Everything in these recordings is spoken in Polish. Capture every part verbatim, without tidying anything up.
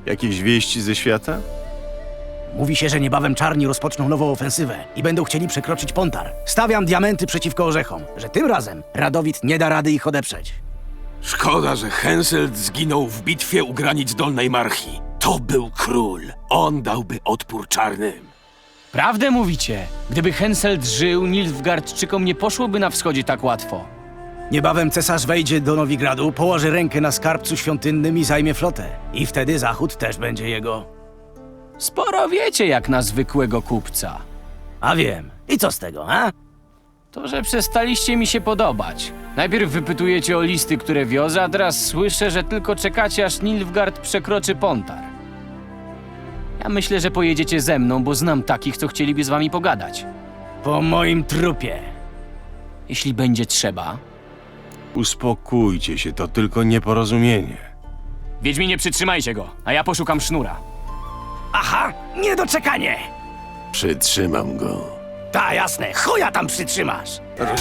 Jakieś wieści ze świata? Mówi się, że niebawem czarni rozpoczną nową ofensywę i będą chcieli przekroczyć Pontar. Stawiam diamenty przeciwko orzechom, że tym razem Radowid nie da rady ich odeprzeć. Szkoda, że Henselt zginął w bitwie u granic Dolnej Marchi. To był król. On dałby odpór czarnym. Prawdę mówicie? Gdyby Henselt żył, Nilfgaardczykom nie poszłoby na wschodzie tak łatwo. Niebawem cesarz wejdzie do Nowigradu, położy rękę na skarbcu świątynnym i zajmie flotę. I wtedy zachód też będzie jego. Sporo wiecie jak na zwykłego kupca. A wiem. I co z tego, a? To, że przestaliście mi się podobać. Najpierw wypytujecie o listy, które wiozę, a teraz słyszę, że tylko czekacie, aż Nilfgaard przekroczy Pontar. Ja myślę, że pojedziecie ze mną, bo znam takich, co chcieliby z wami pogadać. Po moim trupie. Jeśli będzie trzeba. Uspokójcie się, to tylko nieporozumienie. Wiedźminie, przytrzymajcie go, a ja poszukam sznura. Aha, niedoczekanie! Przytrzymam go. Ta, jasne, chuja tam przytrzymasz!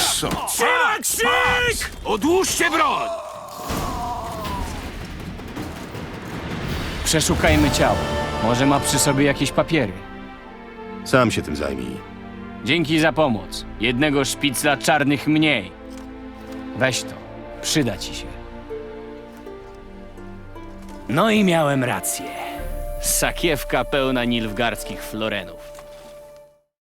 Krzyk! Odłóżcie broń! Przeszukajmy ciało. Może ma przy sobie jakieś papiery. Sam się tym zajmij. Dzięki za pomoc. Jednego szpicla czarnych mniej. Weź to. Przyda ci się. No i miałem rację. Sakiewka pełna nilfgaardzkich florenów.